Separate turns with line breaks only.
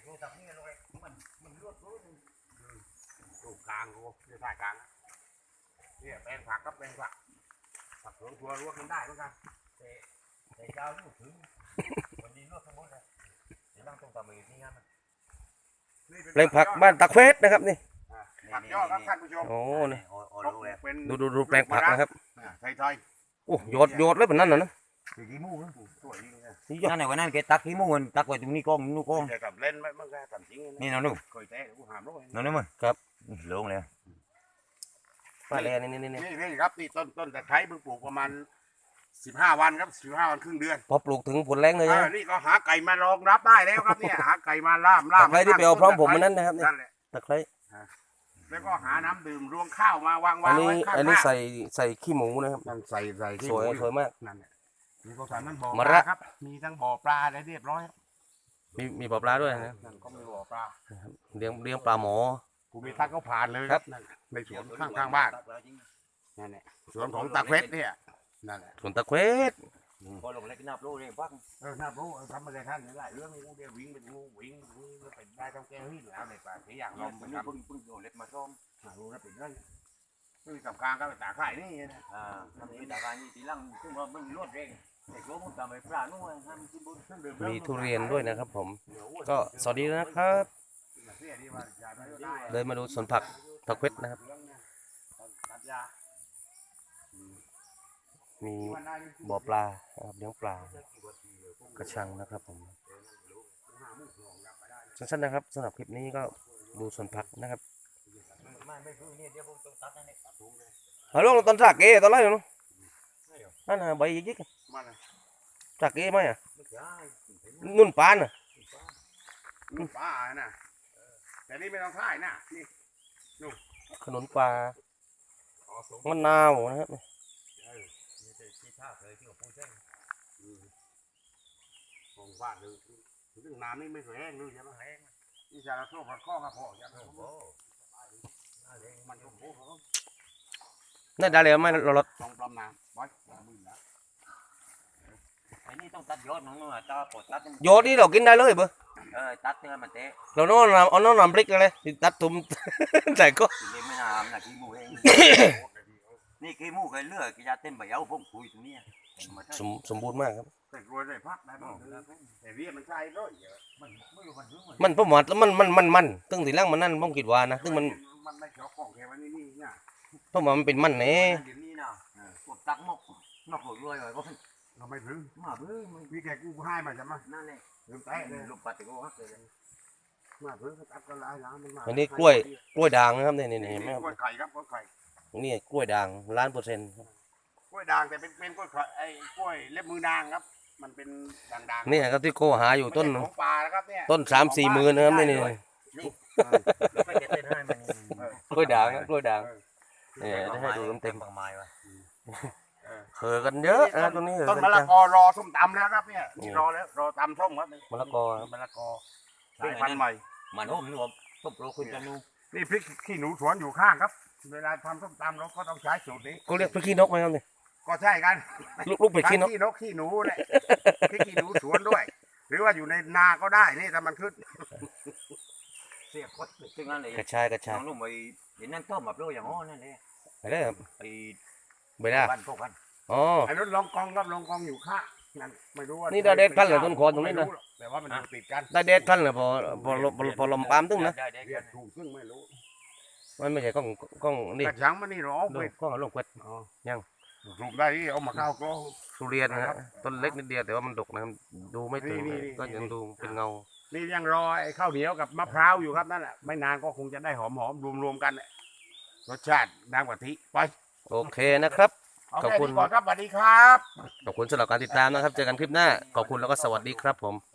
ตัวตับนี่เลยมันลวดรู้ดูกลางกูจะถ่ายกลางเนี่ยแปลงผักกับแปลงผักสวนครัวลวกกันได้เหมือนกันแต่เจ้าลูกถึงวันนี้ลวกทั้งหมดเลยเดี๋ยวต้องตำมือที่งั้น
แปลงผักบ้านตะเควสนะครับนี่
ผักยอดครับท่านผู้ชม
โอ้นี่ดูแปลงผักนะครับ
ไทย
โอ้โยดเลยแบบนั้นนะ
กี่มูนะสวย
นั่นไหนวันนั้นแกตักขี้มูนตักไว้ตรงนี้กองนู่นกอง
กับเล่นไม่เมื่อกี้กับจริง
นี่น้องนุ่ม
เคยแตะกูหามร้อย
น้องนุ่ม
ครับ
ลงเลย
มาเลย
นี่ครับนี่ต้นตะไคร้เพิ่งปลูกประมาณ15 วันครับ15 วันครึ่งเดือน
พอปลูกถึงผลแรงเลยนะ
นี่ก็หาไก่มารองรับได้แล้วครับเนี่ยหาไก่มาล่าม
ตะไคร้ที่ไปเอาพร้อมผมมันนั้นนะครับนี่ตะไคร้
แล้วก็หาน้ำดื่มรวงข้าวมาวางไว้
อันนี้ใส่ขี้หมูนะครับ
ใส่
สวยมาก
นั่นแหละมีก็สารนั่นบ่อปลาครับมีทั้งบ่อปลาอะไรเรียบร้อย
มีบ่อปลาด้วยนะ
นั่นก็มีบ่อปลา
เลี้ยงปลาหมอ
กูมีทักก็ผ่านเลยครับในสวนข้างบ้านนั่นแหละสวนของตะเควสเนี่ยนั่นแหละ
สวนตะเควส
พอลงเล็กนับรู้เลยฟัง
นับรู้ทำอะไรท่านได้เรื่องนี้กูเดี๋ยววิ่งเป็นงูวิ่งเป็นได้ต้องแก้หินแล้วในป่าที่อย่างลมเป็น
พึ่งโยนเล็กมาซ้อม
รู้นะเป็นเรื่องคือกับกลางก็ตาข่ายนี่นะ
ทำนี้ตาข่ายนี่ตีลังซึ่งมันรวดเร่งเด็กรู้มันทำไมปลาโน่นทำที่บน
มีทุเรียนด้วยนะครับผมก็สวัสดีนะครับเลยมาดูสวนผักตะเควสนะครับมีบ่อปลาเลี้ยงปลากระชังนะครับผมสั้นๆนะครับสำหรับคลิปนี้ก็ดูสวนผักนะครับฮัลโหลตอนสักเอ๋ตอนไรอยู่นู้นนั่นน่ะใบยิกๆสักเอ๋ไหมอ่ะนุ่นปานอ่ะ
นุ่นปลาน่ะแต่นี่ไม่ต้องท่ายนะนี่นุ่น
ขนมปลามะนาวนะครับ
ของบ้านเลยถึงน้ำนี่ไม่เคยแห้งเลยใช่ไหมแห้งนี่จะเราโซ่ผัดข้อกับพ่อจะโซ่มันโอ้โห
นี่ได้เลยไหมเราลด
ต้องปลอมน้ำบ่อยมือนะ
ไอ้นี่ต้องตัดยอดน้องๆตาปวดตัด
ยอดนี่เรากินได้เลยเบอร์
ตัดเนื้อมันเตะ
เราโน่นเอาโน่นนำพริกเลยตัดทุ่มใส่ก็
ไม่นานนะขี้มูเองนี่ขี้มูเคยเลือกกินยาเต็มใบเอาพงคุยตรงนี้
สมบูรณ์มากครับ
แต่รวยได้พักได้บ้างแต่เรียมันใช่ด้วย
มันประมาทแล้วมันตึ้งทีแรกมันนั่นผมคิดว่านะตึ้งมัน
ไม่เจาะของแค่วันนี้เนี่ย
เพราะมันเป็นมันเน่
นี่นะกดตักมกรวยเลยก็
เราไม่พึ่ง
มาพึ่ง
มีแกกูให้มาจะมา
นั่นเลย
ลืมแตะเลย
ลูกปัดตะโก้ครับเลย
มาพึ่งตัดก็ลายล้างมันมา
อันนี้กล้วยด่างนะครับนี่เห็นไหมครับ
กล้วยไข่ครับกล้วยไข่
นี่กล้วยด่าง1,000,000%
กล้วยด่างแต่เป็นกล้วยไข่ไอ้กล้วยเล็บมือด่างครับมันเป็นด่าง
นี่ครับที่โกหาอยู่ต้น
ของปลานะครับเนี่ย
ต้น3-4 หมื่นนะครับนี่กล้วยด่างกล้วยด่างนี่ให้ดูเต็มเคยกันเยอะนะตรงนี้
ต้นมะละกอรอส้มตำแล้วครับเนี่ยรอแล้วรอตำส้มครับ
มะละกอ
สายพันธุ์ใหม่
มันโอ้มนวมส้มโรคุณจะนู
นี่พริกขี้หนูสวนอยู่ข้างครับเวลาทำส้มตำเราก็ต้องใช้สูตรนี้
ก็เรียกพริกขี้นกไหมครับนี่
ก็ใช่กัน
ลูกพริกขี้นก
ขี้หนูแหละพริกขี้หนูสวนด้วย หรือว่าอยู่ในนาก็ได้นี่ถ้ามันขึ้น
เสียบก็ซึ่งนั่นเลย
กระชาย
น้องลุงไปเห็นนั่นต้มแบบโรยอย่างอ้อนั่นเลย
อะไรครับ
ไอ้
ใบหน้า
บ้านพวกกัน
อ๋อ
ไอ้รถลองกองครับลองกองอยู่ข้างนั่นไม่รู้ว่า
นี่ได้เด็ดพันเลยต้นคอตรงนี้นะ
แต่ว่ามันติดกัน
ได้เด็ดพันเลยพอลมปามตึ้งนะ
ถูกซึ่งไม่รู้
มันไม่ใช่กล้องนี่
กระชังมันนี่หรอก
ล้องลงเกวดยัง
ถูกได้ที่เอามาเข้ากล้อง
ทุเรียนนะต้นเล็กนิดเดียวแต่ว่ามันดกนะดูไม่ถึงก็ยังดูเป็นเงา
นี่ยังรอไอ้ข้าวเหนียวกับมะพร้าวอยู่ครับนั่นแหละไม่นานก็คงจะได้หอมรวมกันรสชาติน้ำกะทิไป
โอเคนะครับ
ขอบคุณครับสวัสดีครับ
ขอบคุณสำหรับการติดตามนะครับเจอกันคลิปหน้าขอบคุณแล้วก็สวัสดีครับผม